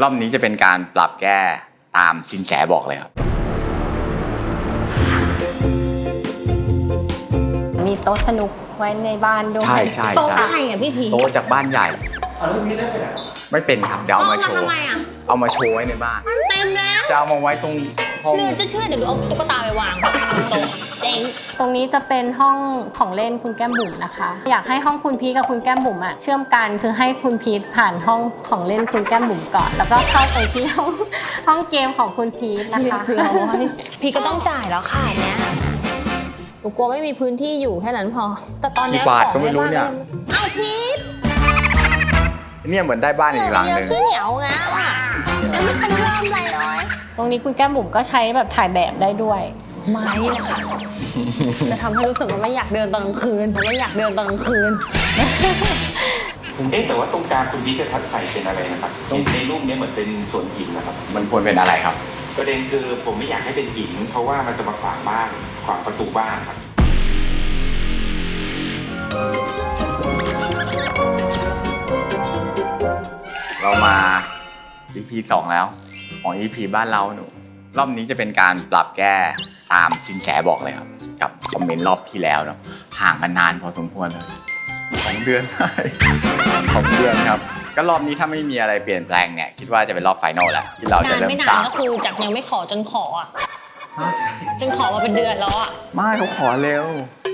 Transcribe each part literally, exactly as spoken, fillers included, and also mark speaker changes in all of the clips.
Speaker 1: รอบนี้จะเป็นการปรับแก้ตามสินแสบอกเลยครับ
Speaker 2: มีโต๊ะสนุกไว้ในบ้านด้วย
Speaker 1: ใช่ใช่
Speaker 3: โต๊ะ
Speaker 1: ใช่
Speaker 3: อะไรอ่ะพี่พี
Speaker 1: โต๊ะจากบ้านใหญ่
Speaker 4: เอาแล้วพี่ได้ไปไหน
Speaker 1: ไม่เป็นครับเดี๋ยวเอามาโชว์
Speaker 3: ทำไมอ่ะ
Speaker 1: เอามาโชว์ไว้ในบ้าน
Speaker 3: เต็มแล้ว
Speaker 1: จะเอามาไว้ตรงห้อง
Speaker 3: หรือจะเชื่อเดี๋ยวดูเอาตุ๊กตาไปวางบนโต๊ะเจ๊ง
Speaker 2: ตรงนี้จะเป็นห้องของเล่นคุณแก้มบุ๋มนะคะอยากให้ห้องคุณพีทกับคุณแก้มบุ๋มอะเชื่อมกันคือให้คุณพีทผ่านห้องของเล่นคุณแก้มบุ๋มก่อนแล้วก็เข้าไปที่ห้องห้องเกมของคุณพีทนะคะ
Speaker 3: พี่ก็ต้องจ่ายแล้วค่ะเนี้ยหนูกลัวไม่มีพื้นที่อยู่แค่นั้นพอแต่ตอนเนี้ย
Speaker 1: กี่บาทก็ไม่รู้เนี่ย
Speaker 3: เอ้าพีท
Speaker 1: เนี่ยเหมือนได้บ้านอีกหลัง
Speaker 3: เย
Speaker 1: ห
Speaker 3: อะ
Speaker 1: นึ่ง
Speaker 3: ขี้เหนียวงะยังไม่ทันเริ่มอะไรเลย
Speaker 2: ตรงนี้คุณแก้มบุ๋มก็ใช้แบบถ่ายแบบได้ด้วย
Speaker 3: ไม้นี่แหละค่ะจะทำให้รู้สึกว่าไม่อยากเดินตอนกลางคืนไม่อยากเดินตอนกลางคืน
Speaker 4: เอ๊ะแต่ว่าตรงกลางคุณพี่จะทัดใส่เป็นอะไรนะครับในรูปนี้เหมือนเป็นส่วนหินนะครับ
Speaker 1: มันควรเป็นอะไรครับ
Speaker 4: ประเด็นคือผมไม่อยากให้เป็นหินเพราะว่ามันจะมาขวางบ้านขวางประตูบ้านครับ
Speaker 1: เรามา อี พี สองแล้วของ อี พี บ้านเราหนูรอบนี้จะเป็นการปรับแก้ตามสินแสบอกเลยครับกับคอมเมนต์รอบที่แล้วเนาะห่างกันนานพอสมควรเลยสองเดือนได้สองเดือนครับก็รอบนี้ถ้าไม่มีอะไรเปลี่ยนแปลงเนี่ยคิดว่าจะเป็นรอบไฟนอลแล้วที่เราจะ
Speaker 3: นาน
Speaker 1: เริ่ม
Speaker 3: ไม่นา
Speaker 1: สาน ม
Speaker 3: ก็คือจากยังไม่ขอจนขออ่ะจนขอมาเป็นเดือนแล้วอ่ะ
Speaker 1: ไม่เขาขอเร็ว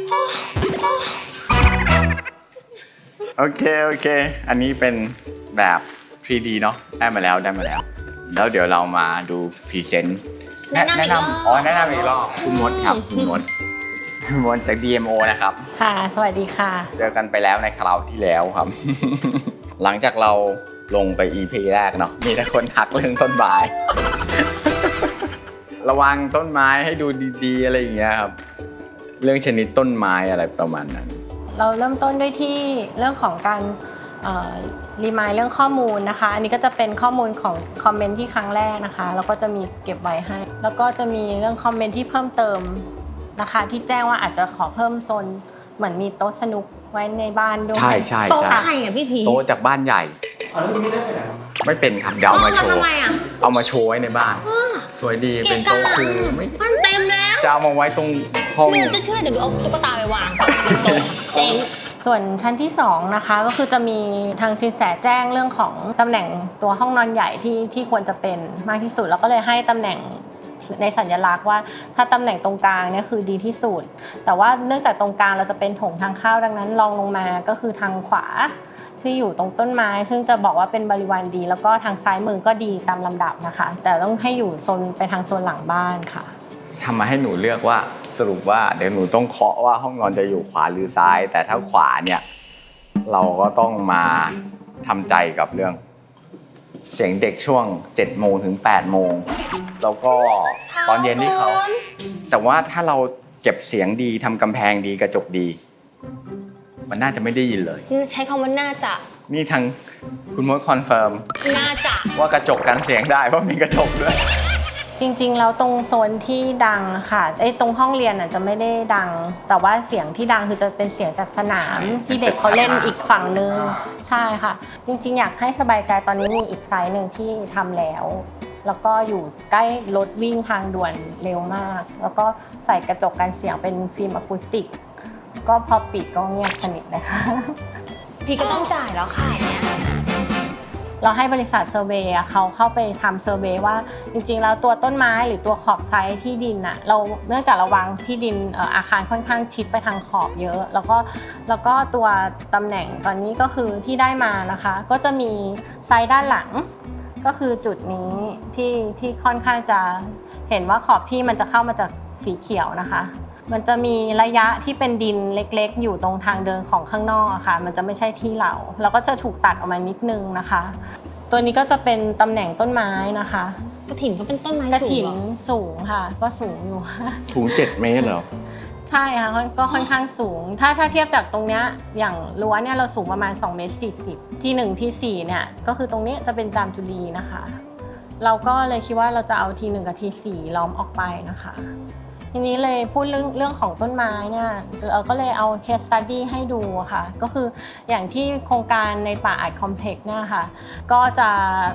Speaker 1: โอเคโอเคอันนี้เป็นแบบ ทรี ดี เนาะได้มาแล้วได้มาแล้วแล้วเดี๋ยวเรามาดูพรีเซนต์
Speaker 3: แนะนำอีกรอบ
Speaker 1: อ๋อแนะนำอีกรอบคุณมดครับคุณมดคุณมดจาก ดี เอ็ม โอ นะครับ
Speaker 2: ค่ะสวัสดีค่ะ
Speaker 1: เจอกันไปแล้วในคราวที่แล้วครับ หลังจากเราลงไป อี พี แรกเนาะมีแต่คนทักเรื่องต้นไม้ ระวังต้นไม้ให้ดูดีๆอะไรอย่างเงี้ยครับเรื่องชนิดต้นไม้อะไรประมาณนั้น
Speaker 2: เราเริ่มต้นด้วยที่เรื่องของการรีมายเรื่องข้อมูลนะคะอันนี้ก็จะเป็นข้อมูลของคอมเมนต์ที่ครั้งแรกนะคะแล้วก็จะมีเก็บไว้ให้แล้วก็จะมีเรื่องคอมเมนต์ที่เพิ่มเติมนะคะที่แจ้งว่าอาจจะขอเพิ่มโซนเหมือนมีโต๊ะสนุกไว้ในบ้านด้วย
Speaker 1: ใช่ใช่
Speaker 3: โต๊ะ
Speaker 1: ใช่
Speaker 3: อะไรอ่ะพี่พี
Speaker 1: โต๊ะจากบ้านใหญ่
Speaker 4: เอาแล้วพี่ได้ไปไหน
Speaker 1: ไม่เป็นครับเดี๋ยวเอามาโช
Speaker 3: ทำ
Speaker 1: ว์
Speaker 3: ไมอ่ะ
Speaker 1: เอามาโชว์ไว้ในบ้าน สวยดี
Speaker 3: เกะ
Speaker 1: เป็น
Speaker 3: กะ
Speaker 1: โต๊ะคือไม่
Speaker 3: มันเต็มแล้ว
Speaker 1: จะเอามาไว้ตรงห้อง
Speaker 3: หรือจะเชื่อเดี๋ยวดูเอาตุ๊กตาไปวางบนโต๊ะเจ๊ง
Speaker 2: ส่วนชั้นที่สองนะคะก็คือจะมีทางสินแสแจ้งเรื่องของตำแหน่งตัวห้องนอนใหญ่ที่ที่ควรจะเป็นมากที่สุดแล้วก็เลยให้ตำแหน่งในสัญลักษณ์ว่าถ้าตำแหน่งตรงกลางเนี่ยคือดีที่สุดแต่ว่าเนื่องจากตรงกลางเราจะเป็นโถงทางเข้าดังนั้นรองลงมาก็คือทางขวาที่อยู่ตรงต้นไม้ซึ่งจะบอกว่าเป็นบริวารดี แล้วก็ทางซ้ายมือก็ดีตามลำดับนะคะแต่ต้องให้อยู่โซนไปทางโซนหลังบ้านค่ะ
Speaker 1: ทำมาให้หนูเลือกว่าสรุปว่าเดี๋ยวหนูต้องเคาะว่าห้องนอนจะอยู่ขวาหรือซ้าย แต่ถ้าขวาเนี่ยเราก็ต้องมาทำใจกับเรื่องเสียงเด็กช่วงเจ็ดโมงถึงแปดโมงแล้วก็ตอนเย็นที่เขาแต่ว่าถ้าเราเก็บเสียงดีทำกำแพงดีกระจกดีมันน่าจะไม่ได้ยินเลย
Speaker 3: ใช้คำว่าน่าจะ
Speaker 1: นี่ทางคุณมดคอนเฟิร์ม
Speaker 3: น่าจะ
Speaker 1: ว่ากระจกกันเสียงได้เพราะมีกระจกด้วย
Speaker 2: จริงๆแล้วตรงโซนที่ดังค่ะไอ้ตรงห้องเรียนอ่ะจะไม่ได้ดังแต่ว่าเสียงที่ดังคือจะเป็นเสียงจากสนามที่เด็กเขาเล่นอีกฝั่งนึงใช่ค่ะจริงๆอยากให้สบายใจตอนนี้มีอีกไซส์หนึ่งที่ทำแล้วแล้วก็อยู่ใกล้รถวิ่งทางด่วนเร็วมากแล้วก็ใส่กระจกกันเสียงเป็นฟิล์มอะคูสติกก็พอปิดก็เงียบสนิทเลยค่ะ
Speaker 3: พี่ก็ต้องจ่ายแล้วค่ะเนี่ย
Speaker 2: เราให้บริษัทเซอร์เวย์เขาเข้าไปทำเซอร์เวย์ว่าจริงๆแล้วตัวต้นไม้หรือตัวขอบไซต์ที่ดินน่ะเราเนื่องจากเราวางที่ดินอาคารค่อนข้างชิดไปทางขอบเยอะแล้วก็แล้วก็ตัวตำแหน่งตอนนี้ก็คือที่ได้มานะคะก็จะมีไซต์ด้านหลังก็คือจุดนี้ที่ที่ค่อนข้างจะเห็นว่าขอบที่มันจะเข้ามาจากสีเขียวนะคะมันจะมีระยะที่เป็นดินเล็กๆอยู่ตรงทางเดินของข้างนอกอะค่ะมันจะไม่ใช่ที่เราเราก็จะถูกตัดออกมานิดนึงนะคะตัวนี้ก็จะเป็นตำแหน่งต้นไม้นะคะ
Speaker 3: กระถิ่นก็เป็นต้นไม้
Speaker 2: กระ
Speaker 3: สู
Speaker 2: ถิ่
Speaker 3: ง
Speaker 2: น
Speaker 3: เหรอ
Speaker 2: สูงค่ะก็สูงอยู่ค่ะ
Speaker 1: ถุงเจ็ดเมตรเหรอ
Speaker 2: ใช่ค่ะก็ค่อนข้างสูงถ้าถ้าเทียบจากตรงเนี้ยอย่างรั้วเนี่ยเราสูงประมาณสองเมตรสี่สิบที่หนึ่งที่สี่เนี่ยก็คือตรงนี้จะเป็นจามจุลีนะคะเราก็เลยคิดว่าเราจะเอาทีหนึ่งกับทีสี่ล้อมออกไปนะคะทีนี้เลยพูดเรื่องเรื่องของต้นไม้เนี่ยเราก็เลยเอา case study ให้ดูค่ะก็คืออย่างที่โครงการในป่าอาร์ตคอมเพล็กซ์เนี่ยค่ะก็จะ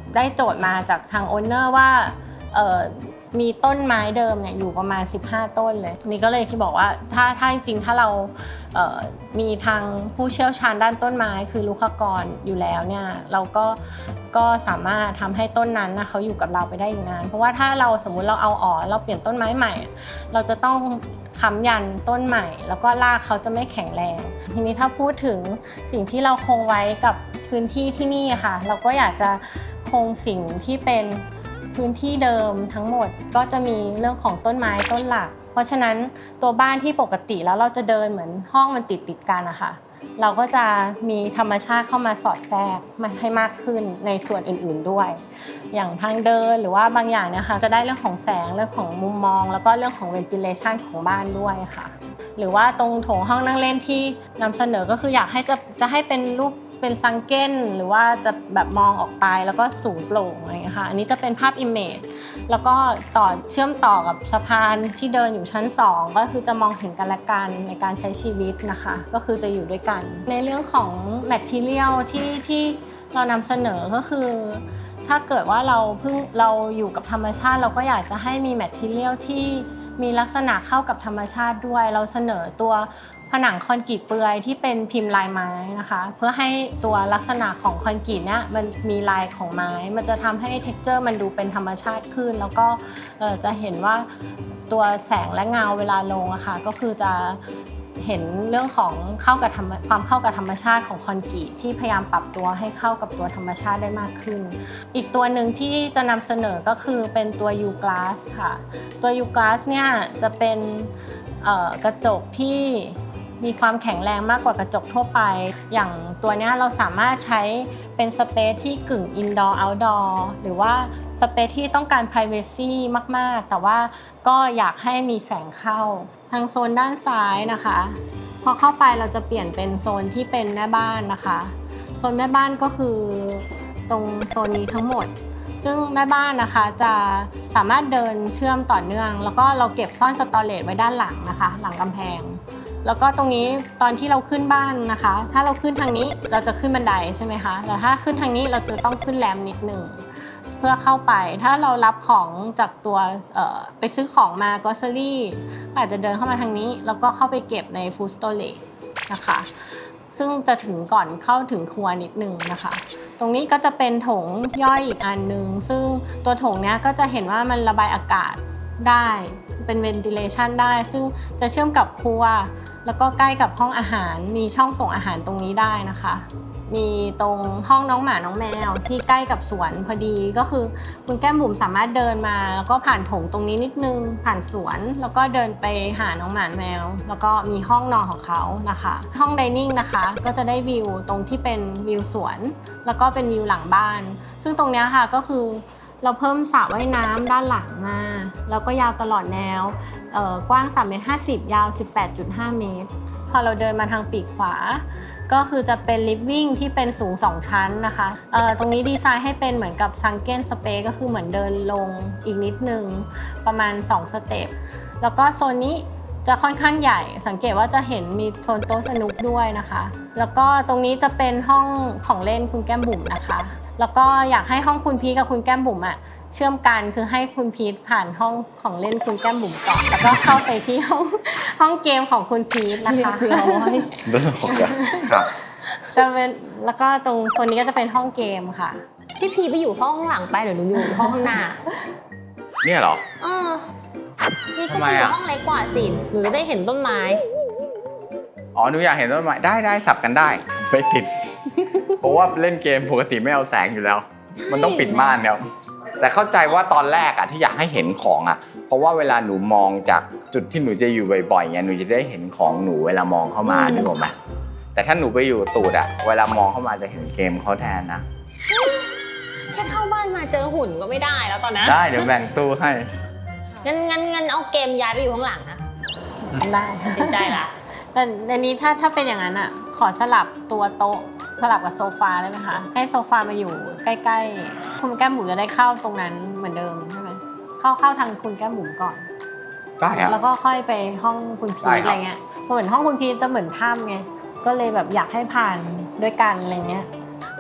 Speaker 2: ได้โจทย์มาจากทางโอนเนอร์ว่าเอ่อมีต้นไม้เดิมเนี่ยอยู่ประมาณสิบห้าต้นเลยนี่ก็เลยคิดบอกว่าถ้าถ้าจริงๆถ้าเราเอ่อมีทางผู้เชี่ยวชาญด้านต้นไม้คือลูกค้ากรอยู่แล้วเนี่ยเราก็ก็สามารถทำให้ต้นนั้นนะเขาอยู่กับเราไปได้อีกนานเพราะว่าถ้าเราสมมุติเราเอาออกเราเปลี่ยนต้นไม้ใหม่เราจะต้องค้ำยันต้นใหม่แล้วก็รากเขาจะไม่แข็งแรงทีนี้ถ้าพูดถึงสิ่งที่เราคงไว้กับพื้นที่ที่นี่ค่ะเราก็อยากจะคงสิ่งที่เป็นพื้นที่เดิมทั้งหมดก็จะมีเรื่องของต้นไม้ต้นหลักเพราะฉะนั้นตัวบ้านที่ปกติแล้วเราจะเดินเหมือนห้องมันติดติดกันนะคะเราก็จะมีธรรมชาติเข้ามาสอดแทรกมาให้มากขึ้นในส่วนอื่นๆด้วยอย่างทางเดินหรือว่าบางอย่างเนี่ยค่ะจะได้เรื่องของแสงเรื่องของมุมมองแล้วก็เรื่องของ ventilation ของบ้านด้วยค่ะหรือว่าตรงโถงห้องนั่งเล่นที่นำเสนอก็คืออยากให้จะจะให้เป็นรูปเป็นซังเก้นหรือว่าจะแบบมองออกไปแล้วก็สูงโปร่งอะไรอย่างเงี้ยค่ะอันนี้จะเป็นภาพ image แล้วก็ต่อเชื่อมต่อกับสะพานที่เดินอยู่ชั้นสองก็คือจะมองเห็นกันและกันในการใช้ชีวิตนะคะก็คือจะอยู่ด้วยกันในเรื่องของ material ที่ที่เรานำเสนอก็คือถ้าเกิดว่าเราเพิ่งเราอยู่กับธรรมชาติเราก็อยากจะให้มี material ที่มีลักษณะเข้ากับธรรมชาติด้วยเราเสนอตัวผนังคอนกรีตเปลือยที่เป็นพิมพ์ลายไม้นะคะเพื่อให้ตัวลักษณะของคอนกรีตเนี่ยมันมีลายของไม้มันจะทำให้ texture มันดูเป็นธรรมชาติขึ้นแล้วก็จะเห็นว่าตัวแสงและเงาเวลาลงอะค่ะก็คือจะเห็นเรื่องของเข้ากับความเข้ากับธรรมชาติของคอนกรีตที่พยายามปรับตัวให้เข้ากับตัวธรรมชาติได้มากขึ้นอีกตัวหนึ่งที่จะนำเสนอก็คือเป็นตัว U Glass ค่ะตัว U Glass เนี่ยจะเป็นกระจกที่มีความแข็งแรงมากกว่ากระจกทั่วไปอย่างตัวนี้เราสามารถใช้เป็นสเปซที่กึ่ง indoor outdoor หรือว่าสเปซที่ต้องการ privacy มากๆแต่ว่าก็อยากให้มีแสงเข้าทางโซนด้านซ้ายนะคะพอเข้าไปเราจะเปลี่ยนเป็นโซนที่เป็นแม่บ้านนะคะโซนแม่บ้านก็คือตรงโซนนี้ทั้งหมดซึ่งแม่บ้านนะคะจะสามารถเดินเชื่อมต่อเนื่องแล้วก็เราเก็บซ่อนสตอเรจไว้ด้านหลังนะคะหลังกำแพงแล้วก็ตรงนี้ตอนที่เราขึ้นบ้านนะคะถ้าเราขึ้นทางนี้เราจะขึ้นบันไดใช่ไหมคะแต่ถ้าขึ้นทางนี้เราจะต้องขึ้นแรมนิดหนึ่งเพื่อเข้าไปถ้าเรารับของจากตัวไปซื้อของมากอสเซอรี่อาจจะเดินเข้ามาทางนี้แล้วก็เข้าไปเก็บในฟู้ดสโตเรจนะคะซึ่งจะถึงก่อนเข้าถึงครัวนิดนึงนะคะตรงนี้ก็จะเป็นโถงย่อยอีกอันนึงซึ่งตัวโถงเนี้ยก็จะเห็นว่ามันระบายอากาศได้เป็น ventilation ได้ซึ่งจะเชื่อมกับครัวแล้วก็ใกล้กับห้องอาหารมีช่องส่งอาหารตรงนี้ได้นะคะมีตรงห้องน้องหมาน้องแมวที่ใกล้กับสวนพอดีก็คือคุณแก้มบุ๋มสามารถเดินมาแล้วก็ผ่านโถงตรงนี้นิดนึงผ่านสวนแล้วก็เดินไปหาน้องหมาแมวแล้วก็มีห้องนอนของเขานะคะห้องไดนิ่งนะคะก็จะได้วิวตรงที่เป็นวิวสวนแล้วก็เป็นวิวหลังบ้านซึ่งตรงนี้ค่ะก็คือเราเพิ่มสระว่ายน้ำด้านหลังมาแล้วก็ยาวตลอดแนวกว้างสามเมตรห้าสิบยาว สิบแปดจุดห้า เมตรพอเราเดินมาทางปีกขวาก็คือจะเป็นลิฟวิ่งที่เป็นสูงสองชั้นนะคะตรงนี้ดีไซน์ให้เป็นเหมือนกับซังเก้นสเปซก็คือเหมือนเดินลงอีกนิดนึงประมาณสองสเต็ปแล้วก็โซนนี้จะค่อนข้างใหญ่สังเกตว่าจะเห็นมีโซนโต๊ะสนุกด้วยนะคะแล้วก็ตรงนี้จะเป็นห้องของเล่นคุณแก้มบุ๋มนะคะแล้วก็อยากให้ห้องคุณพีทกับคุณแก้มบุ๋มอ่ะเชื่อมกันคือให้คุณพีทผ่านห้องของเล่นคุณแก้มบุ๋มก่อนแล้วก็เข้าไปที่ห้องห้องเกมของคุณพีทนะคะ
Speaker 1: เรื่องของกันครับ
Speaker 2: จะเป็นแล้วก็ตรงโซนนี้ก็จะเป็นห้องเกมค่ะ
Speaker 3: พี่พีทไปอยู่ห้องข้างหลังไปหรือหนูอยู่ห้องข้างหน้า
Speaker 1: เนี่ยเหรอ
Speaker 3: เออพี่ก็ไปอยู่ห้องเล็กกว่าสิหนูจะได้เห็นต้นไม้
Speaker 1: อ๋อหนูอยากเห็นต้นไม้ได้ได้สับกันได้ไม่ติดเพราะว่าเล่นเกมปกติไม่เอาแสงอยู่แล้วมันต้องปิดม่านแล้วแต่เข้าใจว่าตอนแรกอะที่อยากให้เห็นของอะเพราะว่าเวลาหนูมองจากจุดที่หนูจะอยู่บ่อยๆเงี้ยหนูจะได้เห็นของหนูเวลามองเข้ามานึกออกไหมแต่ถ้าหนูไปอยู่ตูดอะเวลามองเข้ามาจะเห็นเกมเขาแทนนะ
Speaker 3: แค่เข้าบ้านมาเจอหุ่นก็ไม่ได้แล้วตอนนั้น
Speaker 1: ได้เดี๋ยวแบ่งตู้ให้
Speaker 3: งั้นงั้นงั้นเอาเกมย้ายไปอยู่ข้างหลังนะ
Speaker 2: ได้
Speaker 3: สนใจละ
Speaker 2: แต่ในนี้ถ้าถ้าเป็นอย่างนั้นอะขอสลับตัวโต๊ะสลับกับโซฟาได้ไหมคะให้โซฟามาอยู่ใกล้ๆคุณแก้มบุ๋มจะได้เข้าตรงนั้นเหมือนเดิมใช่ไหมเข้าเข้าทางคุณแก้มบุ๋มก่อน
Speaker 1: ได้ครับ
Speaker 2: แล้วก็ค่อยไปห้องคุณพีทอะไรเงี้ยเหมือนห้องคุณพีทจะเหมือนถ้ำไงก็เลยแบบอยากให้ผ่านด้วยกันอะไรเงี้ย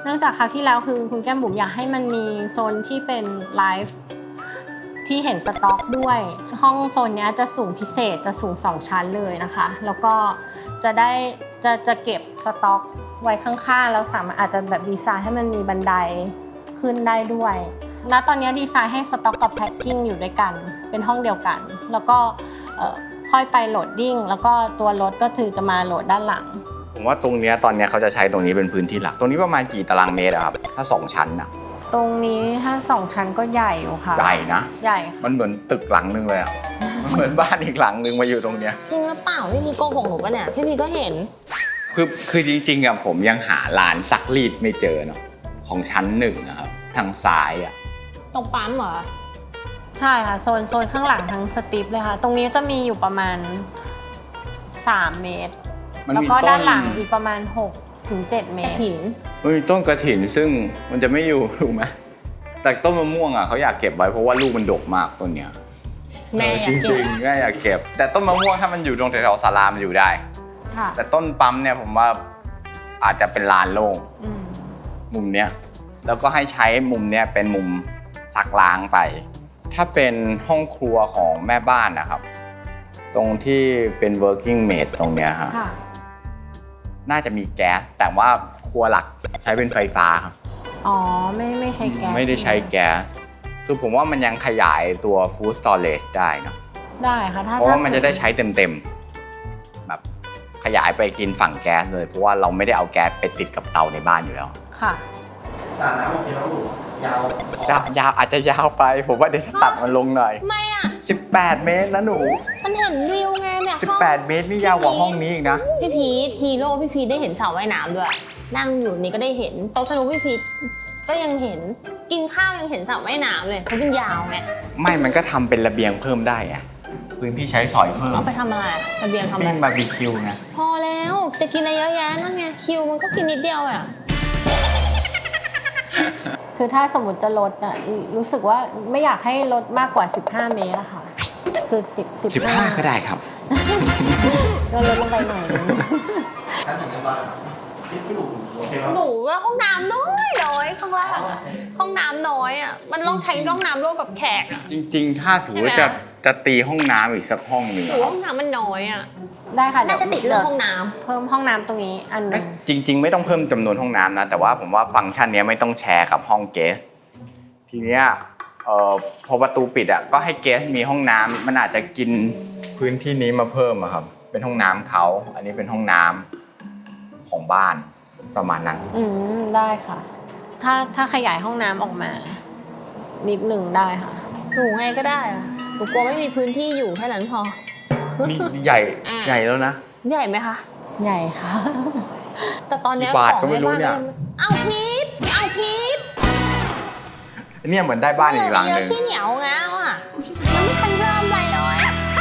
Speaker 2: เนื่องจากคราวที่แล้วคือคุณแก้มบุ๋มอยากให้มันมีโซนที่เป็นไลฟ์ที่เห็นสต็อกด้วยห้องโซนนี้จะสูงพิเศษจะสูงสองชั้นเลยนะคะแล้วก็จะได้จะจะเก็บสต็อกไว้ข้างๆแล้วสามารถอาจจะแบบดีไซน์ให้มันมีบันไดขึ้นได้ด้วยณตอนนี้ดีไซน์ให้สต็อกกับแพ็คกิ้งอยู่ด้วยกันเป็นห้องเดียวกันแล้วก็ค่อยไปโหลดดิ้งแล้วก็ตัวรถก็คือจะมาโหลดด้านหลัง
Speaker 1: ผมว่าตรงนี้ตอนนี้เขาจะใช้ตรงนี้เป็นพื้นที่หลักตรงนี้ประมาณกี่ตารางเมตรอะครับถ้าสองชั้นอะ
Speaker 2: ตรงนี้ถ้าสองชั้นก็ใหญ่อยู่ค่ะ
Speaker 1: ใหญ่นะ
Speaker 2: ใหญ่
Speaker 1: มันเหมือนตึกหลังนึงเลยอะมันเหมือนบ้านอีกหลังนึงมาอยู่ตรงเนี้ย
Speaker 3: จริงหรือเปล่าพี่พีโกหกหนูปะเนี่ยพี่พีก็เห็น
Speaker 1: คือคือจริงๆอะผมยังหาร้านซักรีดไม่เจอเนาะของชั้นหนึ่งนะครับทางซ้ายอะ
Speaker 3: ตรงปั๊มเหรอ
Speaker 2: ใช่ค่ะโซนโซนข้างหลังทั้งสติปเลยค่ะตรงนี้จะมีอยู่ประมาณสามเมตรแล้วก็ด้านหลังอีกประมาณหกถึงเจ็ดเมตร
Speaker 3: หิน
Speaker 1: มันมีต้นกระถิ่นซึ่งมันจะไม่อยู่ถูกไหมแต่ต้นมะม่วงอ่ะเขาอยากเก็บไว้เพราะว่าลูกมันดกมากต้นเนี้ย
Speaker 3: แม่อยาก
Speaker 1: เก็บจริงๆแม่อยากเก็บแต่ต้นมะม่วงถ้ามันอยู่ตรงแถวๆศาลามันอยู่ได้แต่ต้นปั๊มเนี่ยผมว่าอาจจะเป็นลานโล่งมุมเนี้ยแล้วก็ให้ใช้มุมเนี้ยเป็นมุมซักล้างไปถ้าเป็นห้องครัวของแม่บ้านนะครับตรงที่เป็น working maid ตรงเนี้ยครับน่าจะมีแก๊สแต่ว่าครัวหลักใช้เป็นไฟฟ้าครับ
Speaker 2: อ๋อไม่ไม่ใช้แก๊ส
Speaker 1: ไม่ได้ใช้แก๊สคือผมว่ามันยังขยายตัว food storage ได้นะ
Speaker 2: ได้ค่ะถ้า
Speaker 1: เพราะว่ามันจะได้ใช้เต็มๆแบบขยายไปกินฝั่งแก๊สเลยเพราะว่าเราไม่ได้เอาแก๊สไปติดกับเตาในบ้านอยู่แล้ว
Speaker 2: ค่ะ
Speaker 5: สระน้ำโอเคแล้วยาวยา
Speaker 1: วยาวอาจจะยาวไปผมว่าเดี๋ยวตัดมันลงหน่อย
Speaker 3: ไม่อ่ะ
Speaker 1: สิบแปดเมตรนะหนู
Speaker 3: มันเห็นวิวไงเนี่ย
Speaker 1: สิบแปดเมตรนี่ยาวกว่าห้องนี้อีกนะ
Speaker 3: พี่พีทฮีโร่พี่พีทได้เห็นสระว่ายน้ำด้วยนั่งอยู่นี่ก็ได้เห็นโต๊ะสนุกพี่พีทก็ยังเห็นกินข้าวยังเห็นสระว่ายน้ำเลยเพราะเป็นยาวไง
Speaker 1: ไม่มันก็ทำเป็นระเบียงเพิ่มได้อะพื้นที่ใช้สอยเพิ่ม
Speaker 3: เอาไปทำอะไรระเบียงทำอะไร
Speaker 1: บาร์บีคิวไง
Speaker 3: พอแล้วจะกินอะไรเยอะแยะนั่นไงคิวมันก็กินนิดเดียวอ่ะ
Speaker 2: คือถ้าสมมติจะลดอ่ะรู้สึกว่าไม่อยากให้ลดมากกว่าสิบห้าเมตรอะค่ะคือสิบ
Speaker 1: สิบห้าก็ได้ครับ
Speaker 2: ก็ลดลงไปหน่อยนึง
Speaker 5: ชั้นหนึ่งจะบ้านพี่หนูโอเคครับ
Speaker 3: หนูว่าห้องน้ำน้อยน้อยข้างล่างห้องน้ำน้อยอ่ะมันต้องใช้ห้องน้ำร่วมกับแขกอ่ะ
Speaker 1: จริงๆถ้าถือว่าจะจะตีห้องน้ำอีกสักห้องหนึ่ง
Speaker 3: ถือห้องน้ำมันน้อยอ่ะ
Speaker 2: ได้ค่ะ
Speaker 3: น่าจะติดเรื่องห้องน้
Speaker 2: ำเพิ่มห้องน้ำตรงนี้อันนึง
Speaker 1: จริงๆไม่ต้องเพิ่มจำนวนห้องน้ำนะแต่ว่าผมว่าฟังก์ชันนี้ไม่ต้องแชร์กับห้องเกสทีเนี้ยเอ่อพอประตูปิดอ่ะก็ให้เกสมีห้องน้ำมันอาจจะกินพื้นที่นี้มาเพิ่มอะครับเป็นห้องน้ำเขาอันนี้เป็นห้องน้ำของบ้านประมาณนั้น
Speaker 2: อืมได้ค่ะถ้าถ้าขยายห้องน้ำออกมานิดหนึ่งได้ค่ะ
Speaker 3: หนูไงก็ได้อะหนูกลัวไม่มีพื้นที่อยู่แค่นั้นพอ
Speaker 1: นี่ใหญ่ใหญ่แล้วนะ
Speaker 3: ใหญ่ไหมคะ
Speaker 2: ใหญ่ค่ะ
Speaker 3: แต่ตอนนี้
Speaker 1: ของในบ้านเนี่ย
Speaker 3: เอาพีทเอาพีท
Speaker 1: เนี่ยเหมือนได้บ้านอีกหลังนึง
Speaker 3: เยอะขี้เหนียวง้าวอ่ะมันไม่ทันเริ่มไปเลย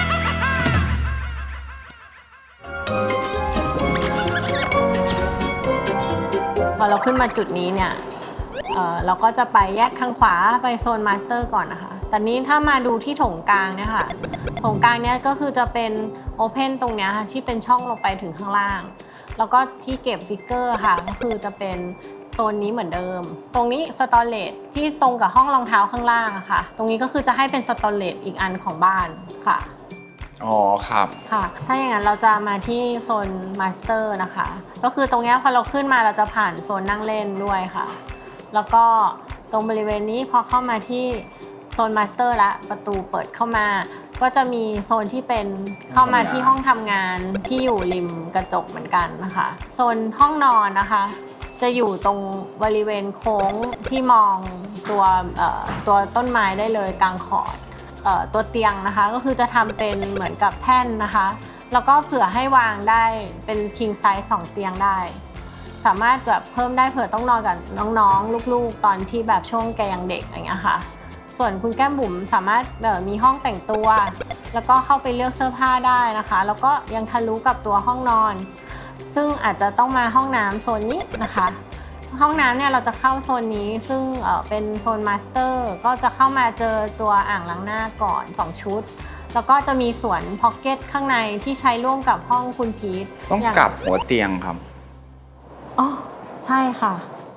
Speaker 2: พอเราขึ้นมาจุดนี้เนี่ย เ, เราก็จะไปแยกทางขวาไปโซนมาสเตอร์ก่อนนะคะแต่นี้ถ้ามาดูที่โถงกลางเนี่ยค่ะโถงกลางเนี่ยก็คือจะเป็นโอเพนตรงเนี้ยค่ะที่เป็นช่องลงไปถึงข้างล่างแล้วก็ที่เก็บฟิกเกอร์ค่ะก็คือจะเป็นโซนนี้เหมือนเดิมตรงนี้สตอเรจที่ตรงกับห้องรองเท้าข้างล่างอะค่ะตรงนี้ก็คือจะให้เป็นสตอเรจอีกอันของบ้านค่ะ
Speaker 1: อ๋อครับ
Speaker 2: ค่ะถ้าอย่างนั้นเราจะมาที่โซนมาสเตอร์นะคะก็คือตรงนี้พอเราขึ้นมาเราจะผ่านโซนนั่งเล่นด้วยค่ะแล้วก็ตรงบริเวณนี้พอเข้ามาที่โซนมาสเตอร์แล้วประตูเปิดเข้ามาก็จะมีโซนที่เป็นเข้ามาที่ห้องทำงานที่อยู่ริมกระจกเหมือนกันนะคะโซนห้องนอนนะคะจะอยู่ตรงบริเวณโค้งที่มองตัวตัวต้นไม้ได้เลยกลางขอดตัวเตียงนะคะก็คือจะทำเป็นเหมือนกับแท่นนะคะแล้วก็เผื่อให้วางได้เป็น king size สองเตียงได้สามารถแบบเพิ่มได้เผื่อต้องนอนกับน้องๆลูกๆตอนที่แบบช่วงแกยังเด็กอย่างเงี้ยค่ะส่วนคุณแก้มบุ๋มสามารถมีห้องแต่งตัวแล้วก็เข้าไปเลือกเสื้อผ้าได้นะคะแล้วก็ยังทะลุกับตัวห้องนอนซึ่งอาจจะต้องมาห้องน้ำโซนนี้นะคะห้องน้ำเนี่ยเราจะเข้าโซนนี้ซึ่งเป็นโซนมาสเตอร์ก็จะเข้ามาเจอตัวอ่างล้างหน้าก่อนสองชุดแล้วก็จะมีสวนพ็อกเก็ตข้างในที่ใช้ร่วมกับห้องคุณพีท
Speaker 1: ต้องกลับหัวเตียงครับ
Speaker 2: อ๋อใช่ค่ะ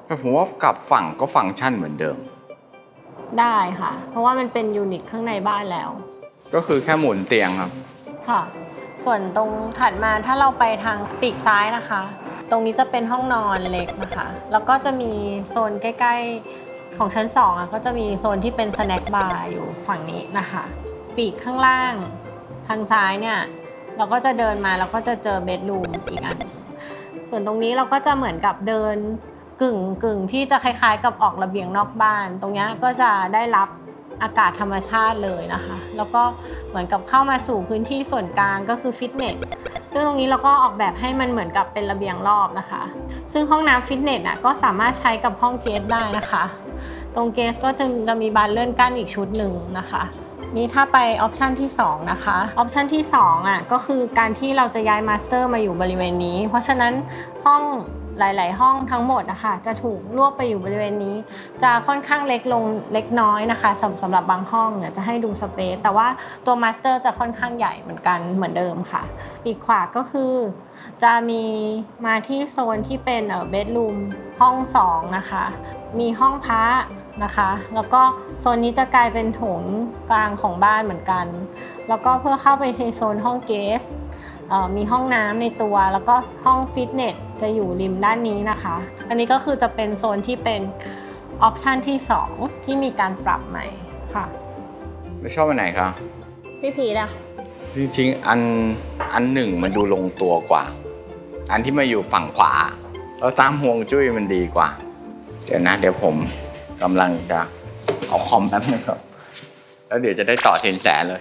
Speaker 1: แต่ผมว่ากลับฝั่งก็ฟังก์ชันเหมือนเดิม
Speaker 2: ได้ค่ะ เพราะว่ามันเป็นยูนิตข้างในบ้านแล้ว
Speaker 1: ก็คือแค่หมุนเตียงครับ
Speaker 2: ค่ะ ส่วนตรงถัดมาถ้าเราไปทางปีกซ้ายนะคะ ตรงนี้จะเป็นห้องนอนเล็กนะคะ แล้วก็จะมีโซนใกล้ๆของชั้นสองอ่ะก็จะมีโซนที่เป็นสแน็คบาร์อยู่ฝั่งนี้นะคะ ปีกข้างล่างทางซ้ายเนี่ยเราก็จะเดินมาแล้วก็จะเจอเบดรูมอีกอัน ส่วนตรงนี้เราก็จะเหมือนกับเดินกึ่งกึ่งที่จะคล้ายๆกับออกระเบียงนอกบ้าน ตรงนี้ก็จะได้รับอากาศธรรมชาติเลยนะคะ แล้วก็เหมือนกับเข้ามาสู่พื้นที่ส่วนกลางก็คือฟิตเนส ซึ่งตรงนี้เราก็ออกแบบให้มันเหมือนกับเป็นระเบียงรอบนะคะ ซึ่งห้องน้ำฟิตเนสอ่ะก็สามารถใช้กับห้องเกสได้นะคะ ตรงเกสก็จะจะมีบานเลื่อนกั้นอีกชุดหนึ่งนะคะ นี่ถ้าไปออปชันที่สองนะคะออปชันที่สองอ่ะก็คือการที่เราจะย้ายมาสเตอร์มาอยู่บริเวณนี้ เพราะฉะนั้นห้องหลายๆห้องทั้งหมดนะคะจะถูกรวบไปอยู่บริเวณนี้ จะค่อนข้างเล็กลงเล็กน้อยนะคะสำสำหรับบางห้องเนี่ยจะให้ดูสเปซแต่ว่าตัวมาสเตอร์จะค่อนข้างใหญ่เหมือนกันเหมือนเดิมค่ะปีกขวาก็คือจะมีมาที่โซนที่เป็นเอ่อเบดรูมห้องสองนะคะมีห้องพระนะคะแล้วก็โซนนี้จะกลายเป็นโถงกลางของบ้านเหมือนกันแล้วก็เพื่อเข้าไปในโซนห้องเกสมีห้องน้ำในตัวแล้วก็ห้องฟิตเนสจะอยู่ริมด้านนี้นะคะอันนี้ก็คือจะเป็นโซนที่เป็นออปชันที่สองที่มีการปรับใหม่ค่ะ
Speaker 1: ไม่ชอบอันไหนครับ
Speaker 3: พี่พีทอะ
Speaker 1: จริงๆอันอันหนึ่งมันดูลงตัวกว่า อันที่มาอยู่ฝั่งขวาแล้วตามห่วงจุ้ยมันดีกว่า เดี๋ยวนะ เดี๋ยวผมกำลังจะเอาคอมแป๊บนึงครับแล้วเดี๋ยวจะได้ต่อสินแสเลย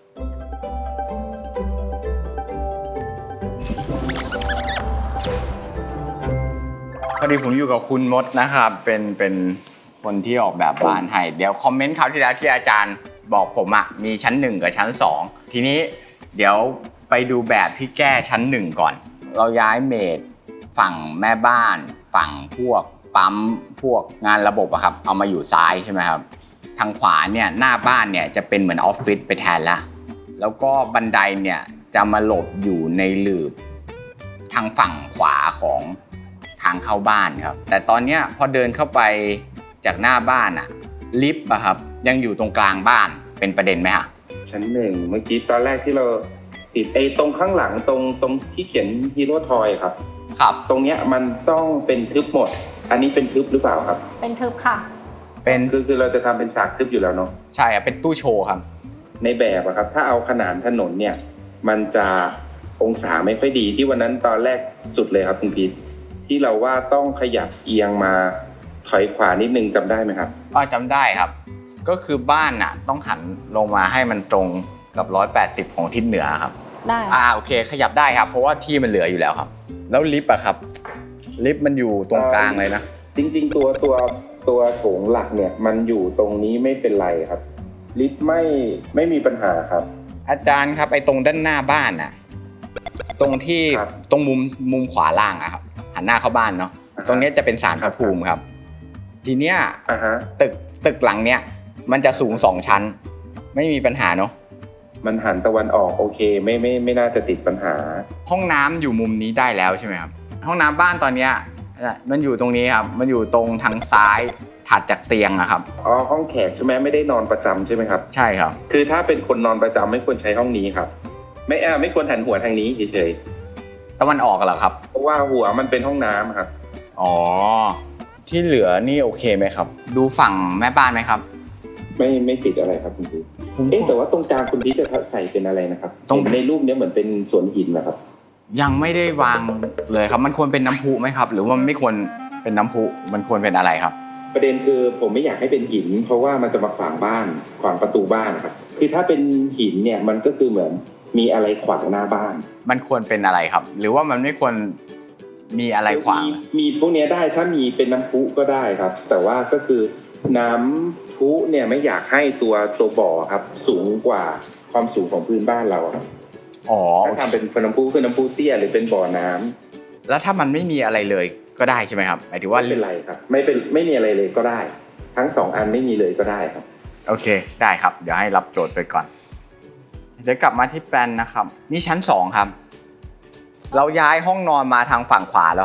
Speaker 1: พอดีผมอยู่กับคุณมดนะครับเป็นเป็นคนที่ออกแบบบ้านให้เดี๋ยวคอมเมนต์คราวที่แล้วที่อาจารย์บอกผมอะมีชั้นหนึ่งกับชั้นสองทีนี้เดี๋ยวไปดูแบบที่แก้ชั้นหนึ่งก่อนเราย้ายเมดฝั่งแม่บ้านฝั่งพวกปั๊มพวกงานระบบอะครับเอามาอยู่ซ้ายใช่ไหมครับทางขวาเนี่ยหน้าบ้านเนี่ยจะเป็นเหมือนออฟฟิศไปแทนละแล้วก็บันไดเนี่ยจะมาหลบอยู่ในหลืบทางฝั่งขวาของทางเข้าบ้านครับแต่ตอนนี้พอเดินเข้าไปจากหน้าบ้านอะลิฟต์อะครับยังอยู่ตรงกลางบ้านเป็นประเด็นไหมฮะ
Speaker 4: ชั้นหนึ่งเมื่อกี้ตอนแรกที่เราติดไอ้ตรงข้างหลังตรงตรงที่เขียนฮีโร่ทอยครับ
Speaker 1: ครับ
Speaker 4: ตรงเนี้ยมันต้องเป็นทึบหมด อันนี้เป็นทึบหรือเปล่าครับ
Speaker 2: เป็นทึบค่ะ
Speaker 1: เป็น
Speaker 4: คือคือเราจะทำเป็นฉากทึบอยู่แล้วเนาะ
Speaker 1: ใช่ครับเป็นตู้โชว์ครับ
Speaker 4: ในแบบอะครับถ้าเอาขนานถนนเนี่ยมันจะองศาไม่ค่อยดีที่วันนั้นตอนแรกสุดเลยครับคุณพีทที่เราว่าต้องขยับเอียงมาถอยขวานิดนึงจำได้ไหมครับ
Speaker 1: ก็จำได้ครับก็คือบ้านน่ะต้องหันลงมาให้มันตรงกับร้อยแปดสิบของทิศเหนือครับ
Speaker 2: ได้
Speaker 1: อ่าโอเคขยับได้ครับเพราะว่าที่มันเหลืออยู่แล้วครับแล้วลิฟต์อะครับลิฟต์มันอยู่ตรงกลางเลยนะ
Speaker 4: จริงๆตัวตัวตัวโถงหลักเนี่ยมันอยู่ตรงนี้ไม่เป็นไรครับลิฟต์ไม่ไม่มีปัญหาครับ
Speaker 1: อาจารย์ครับไอ้ตรงด้านหน้าบ้านน่ะตรงที่
Speaker 4: ครับ
Speaker 1: ตรงมุมมุมขวาล่างอะครับหันหน้าเข้าบ้านเนาะ
Speaker 4: อ่าฮะ
Speaker 1: ตรงนี้จะเป็นศาลพระภูมิครับทีเนี้ย
Speaker 4: อ่าฮะ
Speaker 1: ตึกตึกหลังเนี้ยมันจะสูงสองชั้นไม่มีปัญหาเนาะ
Speaker 4: มันหันตะวันออกโอเคไม่ไม่ไม่น่าจะติดปัญหา
Speaker 1: ห้องน้ำอยู่มุมนี้ได้แล้วใช่ไหมครับห้องน้ำบ้านตอนเนี้ยมันอยู่ตรงนี้ครับมันอยู่ตรงทางซ้ายถัดจากเตียงอะครับ
Speaker 4: อ๋อห้องแขกใช่ไหมไม่ได้นอนประจำใช่ไหมครับ
Speaker 1: ใช่ครับ
Speaker 4: คือถ้าเป็นคนนอนประจำไม่ควรใช้ห้องนี้ครับ ไม่อ่าไม่ควรหันหัวทางนี้เฉย
Speaker 1: ตะวันออกเหรอครับ
Speaker 4: ๆเพราะว่าหัวมันเป็นห้องน้ำครับ
Speaker 1: อ๋อที่เหลือนี่โอเคไหมครับ ดูฝั่งแม่บ้านไหมครับ
Speaker 4: ไม่ไม่ติดอะไรครับคุณพีท
Speaker 1: ผม
Speaker 4: เอ๊ะแต่ว่าตรงกลางคุณพีทจะใส่เป็นอะไรนะครับ
Speaker 1: ตรง
Speaker 4: เห็นในรูปเนี้ยเหมือนเป็นสวนหินนะครับ
Speaker 1: ยังไม่ได้วางเลยครับมันควรเป็นน้ำพุไหมครับ หรือว่ามันไม่ควรเป็นน้ำพุมันควรเป็นอะไรครับ
Speaker 4: ประเด็นคือผมไม่อยากให้เป็นหิน เพราะว่ามันจะมาขวางบ้านขวางประตูบ้านครับคือถ้าเป็นหินเนี่ยมันก็คือเหมือนมีอะไรขวางหน้าบ้าน
Speaker 1: มันควรเป็นอะไรครับ หรือว่ามันไม่ควรมีอะไรขวาง
Speaker 4: มีมีพวกเนี้ยได้ถ้ามีเป็นน้ำพุก็ได้ครับ แต่ว่าก็คือน้ำพุเนี่ยไม่อยากให้ตัวตัวบ่อครับสูงกว่าความสูงของพื้นบ้านเราครับ
Speaker 1: อ๋อ
Speaker 4: ถ้าทำเป็นน้ำพุคือน้ำพุเตี้ยหรือเป็นบ่อน้ำ
Speaker 1: แล้วถ้ามันไม่มีอะไรเลยก็ได้ใช่ไหมครับหมายถึงว่า
Speaker 4: ไม่เป็นไรครับไม่เป็นไม่มีอะไรเลยก็ได้ ทั้งสองอันไม่มีเลยก็ได้ครับ
Speaker 1: โอเคได้ครับเดี๋ยวให้รับโจทย์ไปก่อนเดี๋ยวกลับมาที่แปลนนะครับนี่ชั้นสองครับเราย้ายห้องนอนมาทางฝั่งขวาแล้วครับ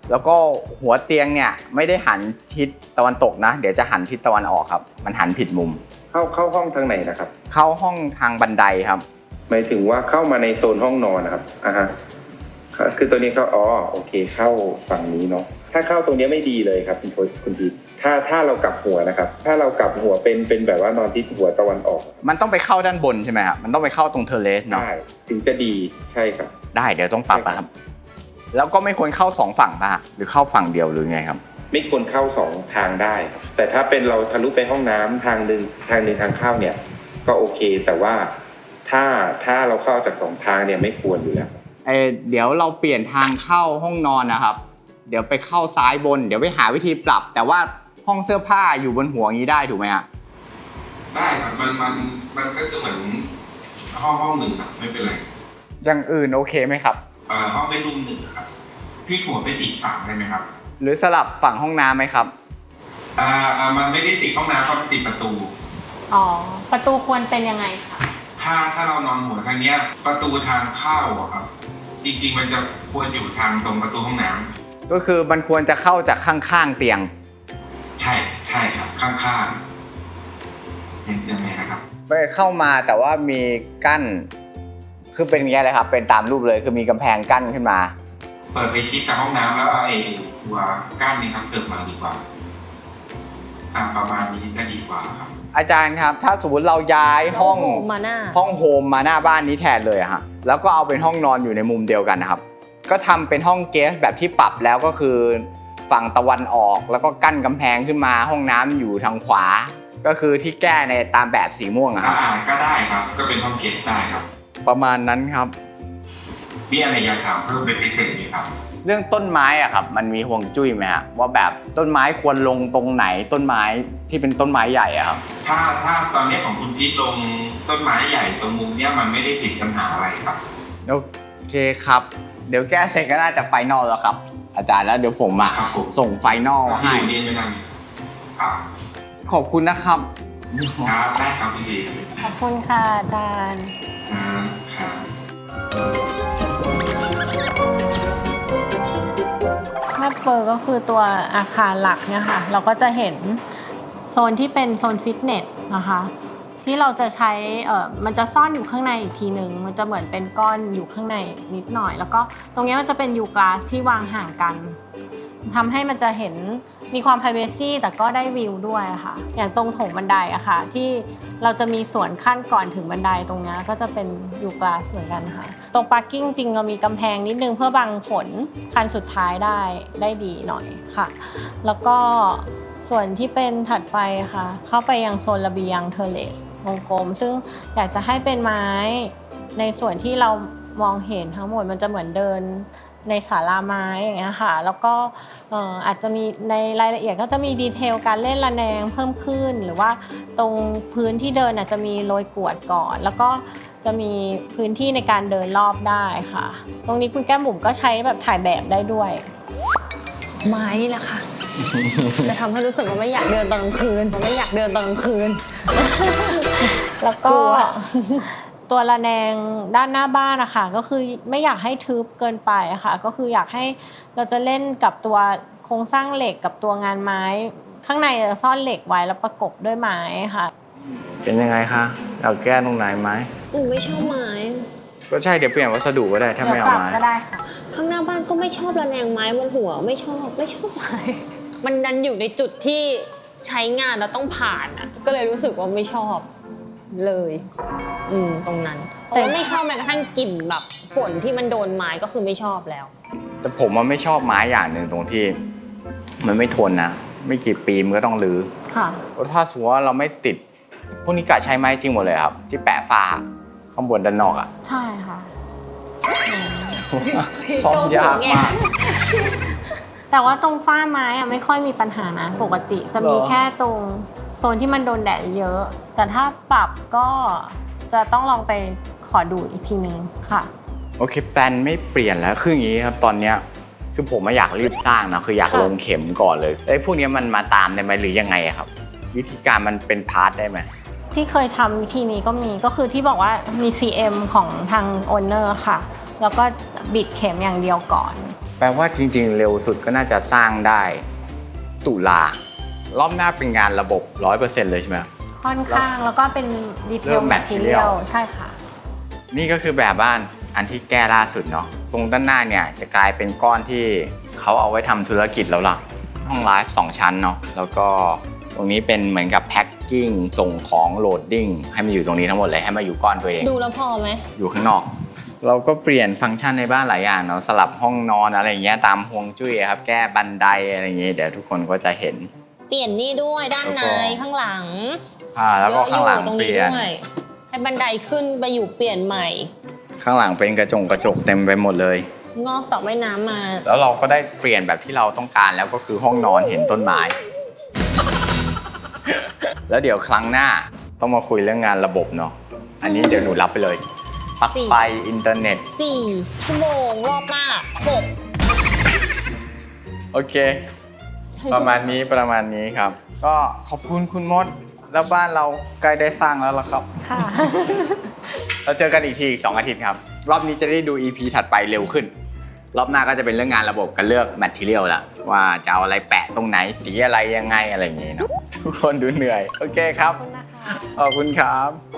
Speaker 1: แล้วก็หัวเตียงเนี่ยไม่ได้หันทิศตะวันตกนะเดี๋ยวจะหันทิศตะวันออกครับมันหันผิดมุม
Speaker 4: เข้าเข้าห้องทางไหนนะครับ
Speaker 1: เข้าห้องทางบันไดครับ
Speaker 4: หมายถึงว่าเข้ามาในโซนห้องนอนนะครับอ่าฮะคือตัวนี้เข้าอ๋อโอเคเข้าฝั่งนี้เนาะถ้าเข้าตรงนี้ไม่ดีเลยครับคุณคุณพีทถ้าถ้าเรากลับหัวนะครับถ้าเรากลับหัวเป็นเป็นแบบว่านอนทิศหัวตะวันออก
Speaker 1: มันต้องไปเข้าด้านบนใช่ไหมครับมันต้องไปเข้าตรงเทอร์เลสเนาะ
Speaker 4: ได้ถึงจะดีใช่ครับ
Speaker 1: ได้เดี๋ยวต้องปรับนะครับแล้วก็ไม่ควรเข้าสองฝั่งป่ะหรือเข้าฝั่งเดียวหรือไงครับ
Speaker 4: ไม่ควรเข้าสองทางได้ครับแต่ถ้าเป็นเราทะลุไปห้องน้ำทางหนึ่งทางหนึ่งทางเข้าเนี่ยก็โอเคแต่ว่าถ้าถ้าเราเข้าจากสองทางเนี่ยไม่ควรอยู่แล้ว
Speaker 1: เออเดี๋ยวเราเปลี่ยนทางเข้าห้องนอนนะครับเดี๋ยวไปเข้าซ้ายบนเดี๋ยวไปหาวิธีปรับแต่ว่าห้องเสื้อผ้าอยู่บนหัวอย่างนี้ได้ถูกไหมฮะ
Speaker 6: ได้ครับมันมันมันก็จะเหมือนห้องห้องหนึ่งครับไม่เป็นไร
Speaker 1: อย่างอื่นโอเคไหมครับ
Speaker 6: เอ่อห้องเป็นรูมหนึ่งครับพี่หัวเป็นอีกฝั่งได้ไหมครับ
Speaker 1: หรือสลับฝั่งห้องน้ำไหมครับ
Speaker 6: อ่าอ่ามันไม่ได้ติดห้องน้ำครับติดประตู
Speaker 2: อ๋อประตูควรเป็นยังไงคะ
Speaker 6: ถ้าถ้าเรานอนหัวทางเนี้ยประตูทางเข้าอะครับจริงๆมันจะควรอยู่ทางตรงประตูห้องน้ำ
Speaker 1: ก็คือมันควรจะเข้าจากข้างๆเตียง
Speaker 6: ใช่ใช่ครับข้างๆยังไงนะครับ
Speaker 1: ไปเข้ามาแต่ว่ามีกั้นคือเป็นอย่างนี้เลยครับเป็นตามรูปเลยคือมีกำแพงกั้นขึ้นมา
Speaker 6: เปิดไปชิดกับห้องน้ำแล้วไอ้ตัวกั้นนี่ครับเกิดมาดีกว่าอ่าประมาณนี้ก็ดีกว่าครับ
Speaker 1: อาจารย์ครับถ้าสมมติเราย้ายห้อง
Speaker 3: มาหน้า
Speaker 1: ห้องโฮมมาหน้าบ้านนี้แทนเลยอะฮะแล้วก็เอาเป็นห้องนอนอยู่ในมุมเดียวกันนะครับก็ทำเป็นห้องเกสแบบที่ปรับแล้วก็คือฝั่งตะวันออกแล้วก็กั้นกำแพงขึ้นมาห้องน้ำอยู่ทางขวาก็คือที่แก้ในตามแบบสีม่วงครับ
Speaker 6: อ่าก็ได้ครับก็เป็นห้องเกสได้ครับ
Speaker 1: ประมาณนั้นครับ
Speaker 6: มีอะไรอยากถามเพิ่มเป็นพิเศษไหมครับ
Speaker 1: เรื่องต้นไม้อะครับมันมีห่วงจุ้ยไหมฮะว่าแบบต้นไม้ควรลงตรงไหนต้นไม้ที่เป็นต้นไม้ใหญ่อะครับ
Speaker 6: ถ้าถ้าตอนนี้ของคุณพีทลงต้นไม้ใหญ่ตรงมุมเนี้ยมันไม่ได้ติดปัญหาอะไรครับ
Speaker 1: โอเคครับเดี๋ยวแก้เสร็จก็น่าจะไฟนอลแล้วครับอาจารย์แล้วเดี๋ยวผมอะส่งไฟนอลให้
Speaker 6: เรียนไปนั่นครับ
Speaker 1: ขอบคุณนะครับ
Speaker 6: ครับได้ครับพี่พี
Speaker 2: ขอบคุณค่ะอาจารย์
Speaker 6: ครับ
Speaker 2: ถ้าเปอร์ก็คือตัวอาคารหลักเนี่ยค่ะเราก็จะเห็นโซนที่เป็นโซนฟิตเนสนะคะที่เราจะใช้เอ่อมันจะซ่อนอยู่ข้างในอีกทีนึงมันจะเหมือนเป็นก้อนอยู่ข้างในนิดหน่อยแล้วก็ตรงนี้มันจะเป็นยูกลาสที่วางห่างกันทำให้มันจะเห็นมีความ privacy แต่ก็ได้วิวด้วยค่ะอย่างตรงโถงบันไดอะค่ะที่เราจะมีส่วนขั้นก่อนถึงบันไดตรงนี้ก็จะเป็นยูกลาสเหมือนกันค่ะตรง parking จริงเรามีกำแพงนิดนึงเพื่อบังฝนคันสุดท้ายได้ได้ดีหน่อยค่ะแล้วก็ส่วนที่เป็นถัดไปค่ะเข้าไปยังโซนระเบียงเทอร์เลสวงกลมซึ่งอยากจะให้เป็นไม้ในส่วนที่เรามองเห็นทั้งหมดมันจะเหมือนเดินในศาลาไม้อย่างเงี้ยค่ะแล้วก็อาจจะมีในรายละเอียดก็จะมีดีเทลการเล่นระแนงเพิ่มขึ้นหรือว่าตรงพื้นที่เดินอาจจะมีโรยกรวดก่อนแล้วก็จะมีพื้นที่ในการเดินรอบได้ค่ะตรงนี้คุณแก้มบุ๋มก็ใช้แบบถ่ายแบบได้ด้วย
Speaker 3: ไม้นี่แหละค่ะจะทำให้รู้สึกว่าไม่อยากเดินตอนกลางคืนไม่อยากเดินตอนกลางคืน
Speaker 2: แล้วก็ตัวระแนงด้านหน้าบ้านนะคะก็คือไม่อยากให้ทึบเกินไปค่ะก็คืออยากให้เราจะเล่นกับตัวโครงสร้างเหล็กกับตัวงานไม้ข้างในจะซ่อนเหล็กไว้แล้วประกบด้วยไม้ค่ะ
Speaker 1: เป็นยังไงคะเราแก้ตรงไหนไม้
Speaker 3: หนูไม่ชอบไม้
Speaker 1: ก็ใช่เดี๋ยวเปลี่ยนวัสดุก็ได้ถ้าไม่เอาไม้
Speaker 2: ก็ได้ค่ะ
Speaker 3: ข้างหน้าบ้านก็ไม่ชอบระแนงไม้บนหัวไม่ชอบไม่ชอบไม้มันดันอยู่ในจุดที่ใช้งานแล้วต้องผ่านอ่ะก็เลยรู้สึกว่าไม่ชอบเลยอืมตรงนั้นเพราะว่าไม่ชอบแม้กระทั่งกลิ่นแบบฝนที่มันโดนไม้ก็คือไม่ชอบแล้ว
Speaker 1: แต่ผมมันไม่ชอบไม้อย่างหนึ่งตรงที่มันไม่ทนนะไม่กี่ปีมันก็ต้องรื้อค่ะถ้าสมมติว่าเราไม่ติดพวกนี้กะใช้ไม้จริงหมดเลยครับที่แปะฝ้าข้างบนด้านนอกอ่ะ
Speaker 2: ใช่ค่ะ
Speaker 1: ซ่อมยากมาก
Speaker 2: แต่ว่าตรงฝ้าไม้อะไม่ค่อยมีปัญหานะปกติจะมีแค่ตรงโซนที่มันโดนแดดเยอะแต่ถ้าปรับก็จะต้องลองไปขอดูอีกทีนึงค่ะ
Speaker 1: โอเคแปลนไม่เปลี่ยนแล้วคืออย่างนี้ครับตอนเนี้ยคือผมไม่อยากรีบสร้างนะคืออยากลงเข็มก่อนเลยไอ้พวกนี้มันมาตามได้ไหมหรือยังไงครับวิธีการมันเป็นพาร์ทได้ไหม
Speaker 2: ที่เคยทำวิธีนี้ก็มีก็คือที่บอกว่ามี ซี เอ็ม ของทางโอนเนอร์ค่ะแล้วก็บิดเข็มอย่างเดียวก่อน
Speaker 1: แปลว่าจริงๆ เร็วสุดก็น่าจะสร้างได้ตุลารอบหน้าเป็นงานระบบ ร้อยเปอร์เซ็นต์ เลยใช่ไหม
Speaker 2: ค่อนข้างแล้วก็เป็นดีเท
Speaker 1: เริ่
Speaker 2: ล
Speaker 1: ม
Speaker 2: แมทเทีย
Speaker 1: material
Speaker 2: ลใช่ค่ะ
Speaker 1: นี่ก็คือแบบบ้านอันที่แก้ล่าสุดเนาะตรงด้านหน้าเนี่ยจะกลายเป็นก้อนที่เขาเอาไว้ทำธุรกิจแล้วล่ะห้องไลฟ์สองชั้นเนาะแล้วก็ตรงนี้เป็นเหมือนกับแพ็คกิ้งส่งของโหลดดิ้งให้มาอยู่ตรงนี้ทั้งหมดเลยให้มาอยู่ก้อนตัวเอง
Speaker 3: ดูแล้วพอไหม
Speaker 1: อยู่ข้างนอก เราก็เปลี่ยนฟังก์ชันในบ้านหลายอย่างเนาะสลับห้องนอนอะไรอย่างเงี้ยตามฮวงจุ้ยครับแก้บันไดอะไรอย่างเงี้ยเดี๋ยวทุกคนก็จะเห็น
Speaker 3: เปลี่ยนนี่ด้วยด้านใน
Speaker 1: แล้วก็
Speaker 3: ข้างหลัง
Speaker 1: อ่าแล้วก็ข้างหลัง
Speaker 3: อยู่ตรง
Speaker 1: เป
Speaker 3: นี้
Speaker 1: ลี่ยน
Speaker 3: ด้วยให้บันไดขึ้นไปอยู่เปลี่ยนใหม่
Speaker 1: ข้างหลังเป็นกระจงกระจกเต็มไปหมดเลย
Speaker 3: งอกจากว่ายน้ำมา
Speaker 1: แล้วเราก็ได้เปลี่ยนแบบที่เราต้องการแล้วก็คือห้องนอนเห็นต้นไม้ แล้วเดี๋ยวครั้งหน้าต้องมาคุยเรื่องงานระบบเนาะอันนี้เดี๋ยวหนูรับไปเลยปลั๊ก
Speaker 3: สี่
Speaker 1: ไฟอินเทอร์เน็ต
Speaker 3: สี่ชั่วโมงรอบหน้าหก
Speaker 1: โอเค ประมาณนี้ประมาณนี้ครับ ก็ขอบคุณคุณมด แล้วบ้านเราใกล้ได้สร้างแล้วล่ะครับ
Speaker 2: ค่ะ
Speaker 1: เราเจอกันอีกทีอีกสองอาทิตย์ครับ รอบนี้จะได้ดู อี พี ถัดไปเร็วขึ้น รอบหน้าก็จะเป็นเรื่องงานระบบกันเลือกแมทเทียลละว่าจะเอาอะไรแปะตรงไหนสีอะไรยังไงอะไรอย่างงี้เนาะทุกคนดูเหนื่อย โอเคครับ
Speaker 2: ขอบคุณนะคะ
Speaker 1: ขอบคุณครับ